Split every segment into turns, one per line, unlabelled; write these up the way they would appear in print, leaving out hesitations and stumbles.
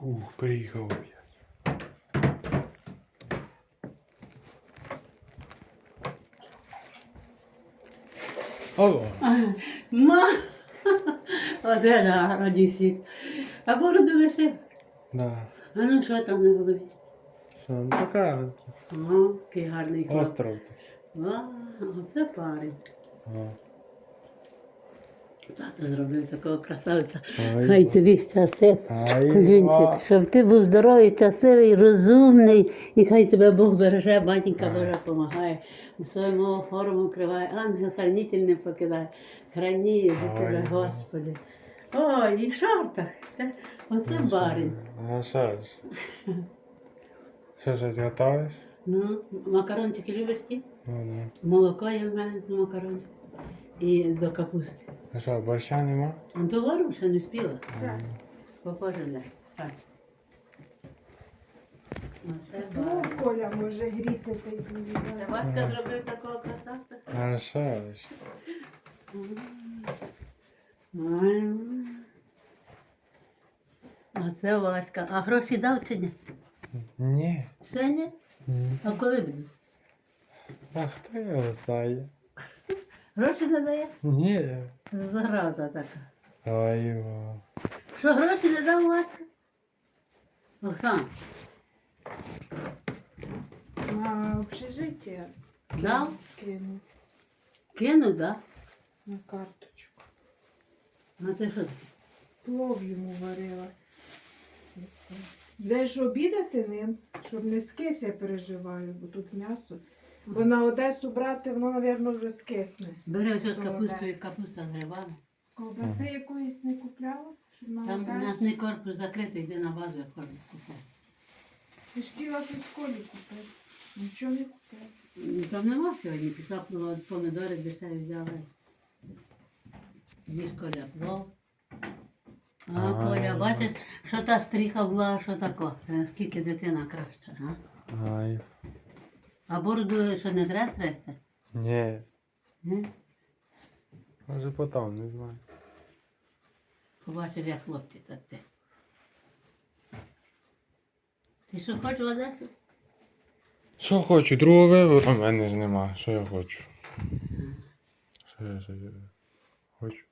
Приїхав я. Алло.
Ма! Оце да, одісіт. А бороду лишив.
Да.
А ну що там на голові?
Що, ну така
О, який гарний хлоп.
остров.
А, оце парень.
Ага.
Тато зробив такого красавця.
Ай,
Хай
ба.
тобі щастить,
Ай, ба.
Колюнчик, щоб ти був здоровий, щасливий, розумний, і хай тебе Бог береже, батінька Божа допомагає, своєму форму криває, ангел хранитель не покидає, храні за тебе,
Ай,
Господи. Ой, і в шортах. Оце барин.
А що ж? Що, щось готовиш?
Ну, макарончики любиш ті?
Ну,
Молоко є в мене з макаронів. І до капусти.
да. А що, борща нема?
А до вору ще не спіла. Похоже, не. Так. Оце
Ну,
барин.
Коля може гріти та й
Це
поїдати.
Васька зробив такого красавця?
А що ж?
Ой. Оце Васька. А гроші дав чи ні?
Ні.
Ще ні? А коли буду?
А хто його знає?
Гроші не дає?
Ні.
Зараза така.
Ой, ба.
Що, гроші не дав Васька? Оксан,
На общежиття
дав?
кину
Кинув, да?
на карточку.
А це що таке?
Плов йому варила. І це. Де ж обідати ним, щоб не скис, я переживаю, бо тут м'ясо. Бо на Одесу брати, воно, мабуть, вже скисне.
Бери ось з
Молодець.
капустою, капуста з грибами.
Ковбаси якоїсь не купляла, щоб на
Там
Одесу.
м'ясний корпус закритий, йди на базу, як ходить купити.
Ти ж хотіла щось в колі купити. Нічого не купила.
Там нема сьогодні, пішла помідори дешеві взяла. Їж Коля плов. А, Коля, бачиш, що та стріха була, що тако. Наскільки дитина краща, а?
Ай.
А бороду що не треба трести?
Ні.
Ні?
Може потім, не знаю.
Побачиш, як хлопці так ти. Ти що хочеш в Одесу?
Що хочу? Другого вибору? У мене ж нема. Що я хочу? Що я хочу?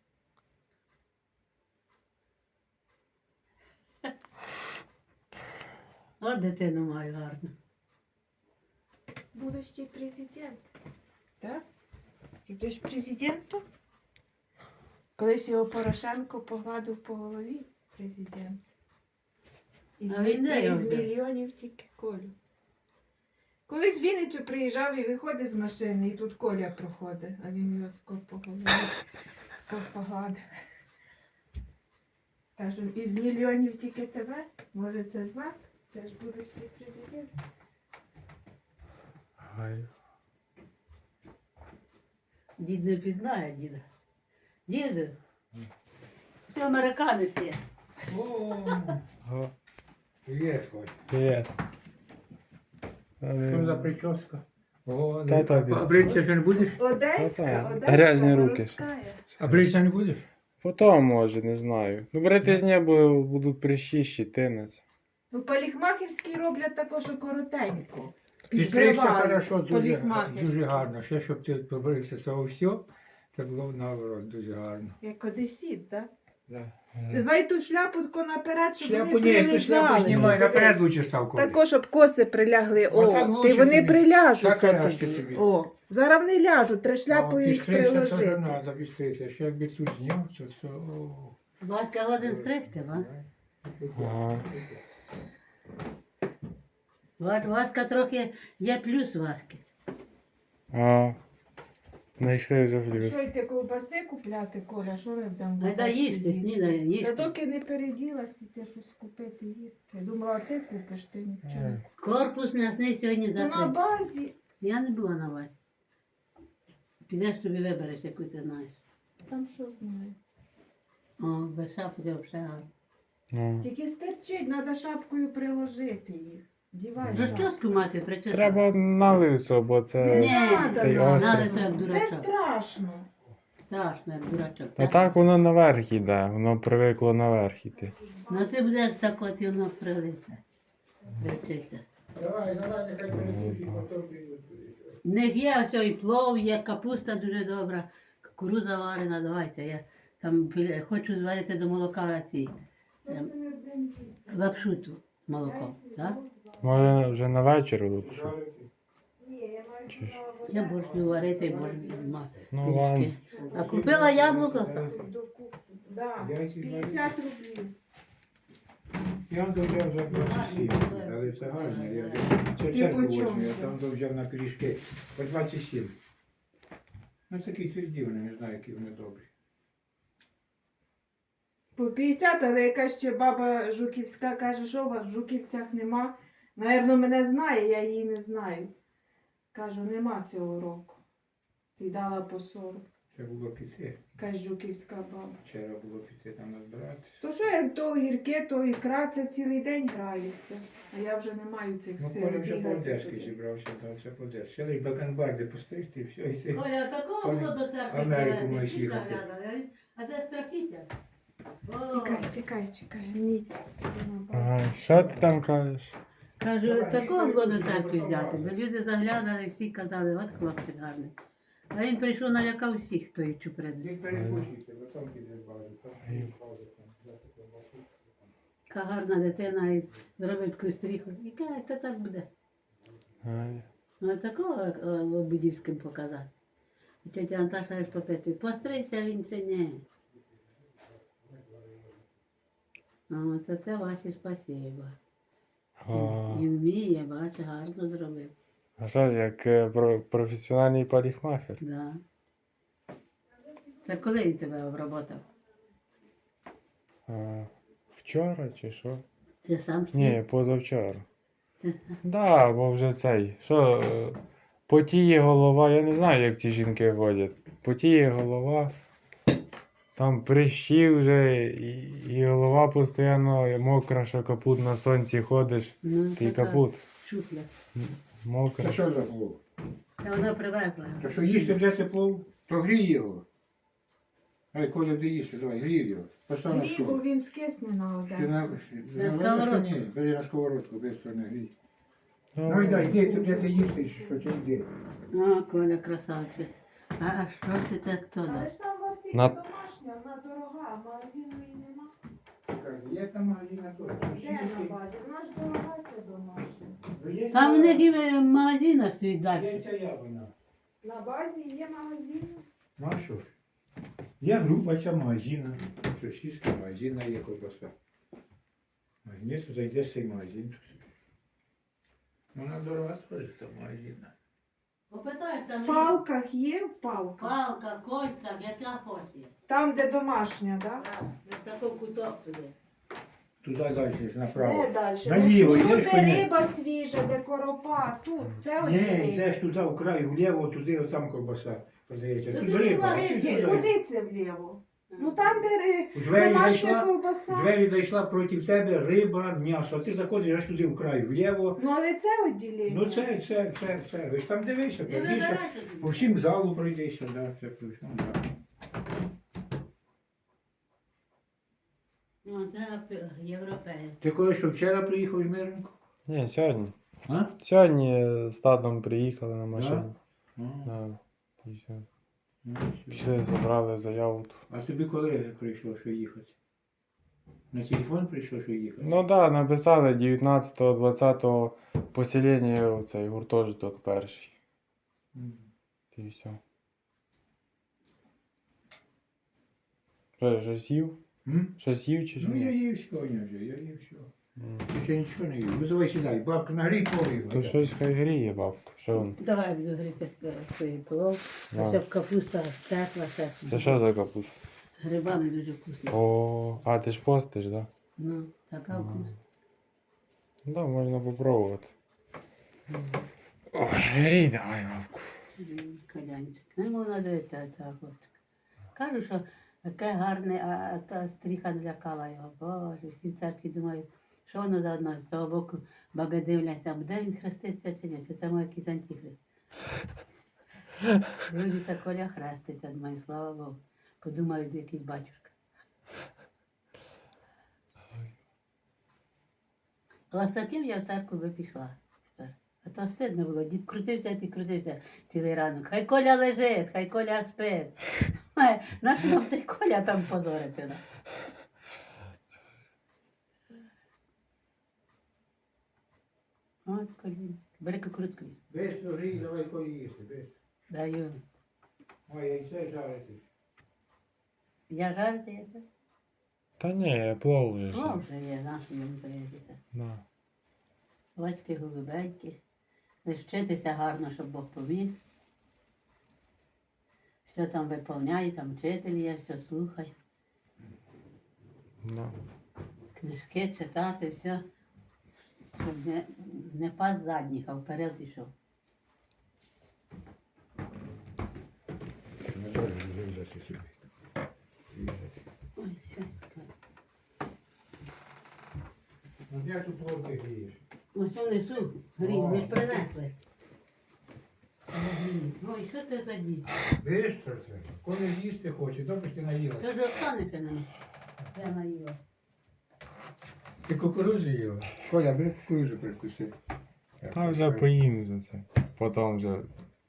От дитину маю гарну.
Будущий президент. Так? Ти будеш президентом? Колись його Порошенко погладив по голові президент. Із,
А він де його
із
взяв?
мільйонів тільки Колю. Колись в Вінницю приїжджав і виходить з машини, і тут Коля проходить, а він його тако по голові погладив. Кажу, із мільйонів тільки тебе? Може це знак? Ти ж будеш президент.
Ай.
Дід не пізнає діда. Діду, все американець є.
Ага.
Привет, Коль.
Привіт.
Что за прическа? О,
Та-та,
а
без-
бриться же не будешь?
Одеська,
Та-та.
Одеська,
Грязні руки.
городська.
А бриться не будешь?
Потім, може, не знаю. Ну, брати з неба будуть прищі, щитинець.
Ну, поліхмахерський роблять також коротенько.
Підстригся хорошо, дуже
поліхмахерський.
гарно. Ще, щоб ти побрився цього всього, це було наоборот дуже гарно.
Як одесіт, так?
Да.
Давай ту шляпу тако наперед, щоб
Шляпу
вони
ні, ти шляпу
прилизалися.
знімай, наперед
Дивись.
лучше став Коля.
Тако, щоб коси прилягли.
Отак
О,
лучше
ти вони
тобі.
приляжуться
Так краще
тобі.
тобі.
О, зараз вони ляжуть, треба шляпою їх
Підстригся, теж
приложити.
треба підстригся. Ще якби тут зняв, то все. о.
Васька годин стригти, ва?
Ага.
Васька трохи є плюс Васьки.
А. Знайшли вже плюс.
Що йти ковбаси купляти, Коля? Що ми будемо?
Айда їсти, снідає,
Та
їсти.
доки не переділась, іти щось купити їсти. Я думала, а ти купиш, ти нічого. не
Корпус м'ясний сьогодні
Ну, на
закритий.
базі.
Я не була на Васьки. Підеш тобі вибереш, яку ти знаєш.
Там що знаю.
О, без шапки взагалі гарно.
Ну.
Тільки стерчить, треба шапкою приложити їх. Дівай шапку.
Розчоску мати причесати.
Треба на лисо, бо
Не
це
надо,
цей
надо.
острів.
Надо це як
Це
дурачок.
страшно.
Страшно, як дурачок.
А так воно наверх іде, воно привикло наверх іти.
Ну ти будеш так от і воно прилите. Привчиться.
Давай, нехай перекусить, потім прийдуть.
В них є ось і плов, є капуста дуже добра, кукурудза варена, давайте. Я там хочу зварити до молока ці лапшу ту з молоком. Так?
Може вже на вечір лучше.
Я борщу варити, борщ
Ну,
пиріжки. А купила яблуко?
Да,
Яйці
50 рублів.
Я там взяв за 27, але це гарно. Це
І
церкву
по чому
возьму, я
це?
там взяв на пиріжки по 27. Ну такі тверді вони, не знаю, які вони добрі.
По 50, але якась ще баба Жуківська каже, що у вас в Жуківцях нема. Наверно, мене знає, я її не знаю. Кажу, нема цього року. Ти дала по 40.
Це було піти.
Якась Жуківська баба.
Вчора було піти там назбирати.
То що як то гірке, то ікра, це цілий день граєшся. А я вже не маю цих
Ну,
сил.
Коля вже
бігати
по-одеськи
туди.
зібрався, так, все по-одеськи. Ще лиш бакенбарди постригти і все, і все.
Коля, такого було до церкви,
Америку
коли
маєш
всі
їхати.
заглядали, а де страхіття? О,
Чекай. Ні.
Ага, що ти там кажеш?
Кажу, такого було до церкви взяти, бо люди заглядали, всі казали, от хлопчик гарний. А він прийшов, налякав всіх, хто їх чуприни.
Їх перекусуйте, бо там піде базу. Там піде базу, там взяти колбасу.
Яка гарна дитина і зробить таку стріху. Яка це так буде?
Ай.
Ну такого Будівським показати. І тетя Анташа аж попитує, постригся він чи ні? А це Васі спасибо.
О.
І вміє, бач, гарно зробив.
А що, як професіональний парикмахер?
Да. Це коли він тебе обработав?
Вчора чи що?
Ти сам хотів?
Ні, позавчора. Да, бо вже цей. Що, потіє голова, я не знаю, як ці жінки ходять. Потіє голова, там прищі вже, і голова постійно мокра, що капут на сонці ходиш,
Ну,
ти
така
капут
Шуфля.
мокрий.
Це що за плов?
Та вона привезла.
То що їсти вже це плов, то грій його. Ай, Коля, де їсти, давай, грій його. Постав на
Грібу
стол.
він скисне на
Ти
Одесу.
На сковородку.
Ні, бери на сковородку, бистро не грій.
Ну,
Ну йди, йди, ти де ти їсти, що ти йди.
О, Коля, красавчик. А що ж ти так хто
Але
дав?
ж там у вас тільки
На-
домашня, вона дорога, а магазину і нема.
Є там магазина теж.
Де на базі? Вона ж дорога, це домашня.
Там в них і магазина стоїть далі.
Є ця яблуня.
На базі є магазин.
Ну а що ж? Є група ця магазина. Сосиска, магазина є ковбаса. Магазин, то зайдеш в цей магазин. Вона дорога теж там магазина.
Попитай, там
В палках є в палках.
палка, кольця, яка хоче.
Там, де домашня, так?
Так, на такий куток туди.
Туди далі, направо.
Де далі?
Наліво,
Ну,
йдеш
тут
по
де
ній.
риба свіжа, де коропа, тут, це
Ні,
одні.
йдеш туди, в край, вліво, туди, от там ковбаса продається.
Ну,
Тут
туди
риба.
ваги,
а ти
Ні,
туди.
куди це вліво? Ну там, де
У двері
домашня
зайшла,
ковбаса.
в двері зайшла проти тебе риба, м'ясо, а ти заходиш аж туди в край, вліво.
Ну але це відділення.
Ну це. Ви ж там дивися,
Ти
пройдися.
вибирай
По
собі.
всім залу пройдися, да, це точно. Да.
Ну, це європеєць.
Ти коли що вчора приїхав з Мирненко?
Ні, сьогодні.
А?
Сьогодні з татом приїхали на машині.
А,
Да. І все.
ну, все.
Пішли, забрали заяву.
А тобі коли прийшло, що їхати? На телефон прийшло, що їхати?
Ну так, да, написали 19-20 поселення у цей гуртожиток перший.
Мгм.
І все. Що, щось їв?
М?
Щось їв чи
Ну я
ні?
їв сьогодні вже, я їв все.
М.
Ти ще нічого не їв. Ну давай сідай, бабка нагрій повів.
То щось хай гріє, бабка. Що він?
Давай буду гріти свій плов.
Да.
Щоб капуста текла,
Це що за капуста?
з грибами дуже вкусно.
О, а ти ж постиш, так? Да?
Ну, така вкусна.
Ну да, можна попробувати. Ой, грій, давай, бабку.
Калянчик. Не можна дивитися цього хлопчика. Кажу, що таке гарне, а та стріха налякала його. Боже, всі в церкві думають, що воно за одно, з того боку баби дивляться, буде він хреститься чи ні, чи це може якийсь антихрист. Дивлюся, Коля хреститься, думаю, слава Богу. Подумаю, якийсь батюшка. Але з таким я в церкву би пішла тепер. А то стидно було, дід крутився і крутився цілий ранок. Хай Коля лежить, хай Коля спить. Нащо нам цей Коля там позорити? Да? От Колін. Бери кукурудзку.
Бистро грій, давай кої їсти, бистро.
Даю.
Ой, яйце жарити.
Я жарити яйце?
Та ні, плов вже.
О,
ж.
вже є, нашу йому приїздити.
Да.
Очки голубенькі. Лиш вчитися гарно, щоб Бог поміг. Все там виповняє, там вчитель є, все слухай.
Да.
Книжки читати, все. Щоб не пас задніх, а вперед пішов.
Не можу вирізати собі. Різати.
Ой, що?
Ну як тут плов ти грієш?
Ось що несу, гріх, не ж принесли. Ой, що це за дід?
Бистро це. Коли їсти хоче, то ж ти наїлася.
Це ж Оксани ще не. Я наїла.
Ти кукурудзу їла? Коля, бери кукурудзу прикуси.
Та вже поїм вже це. Потім вже.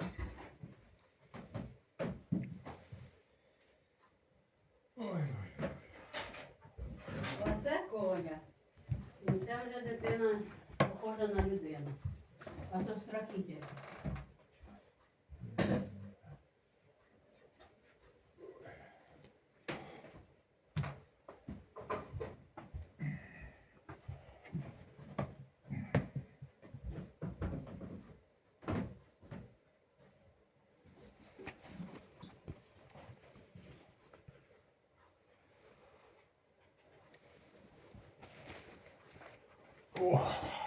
Ой,
Оце Коля. І це вже дитина похожа на людину. А то страхіття.
О.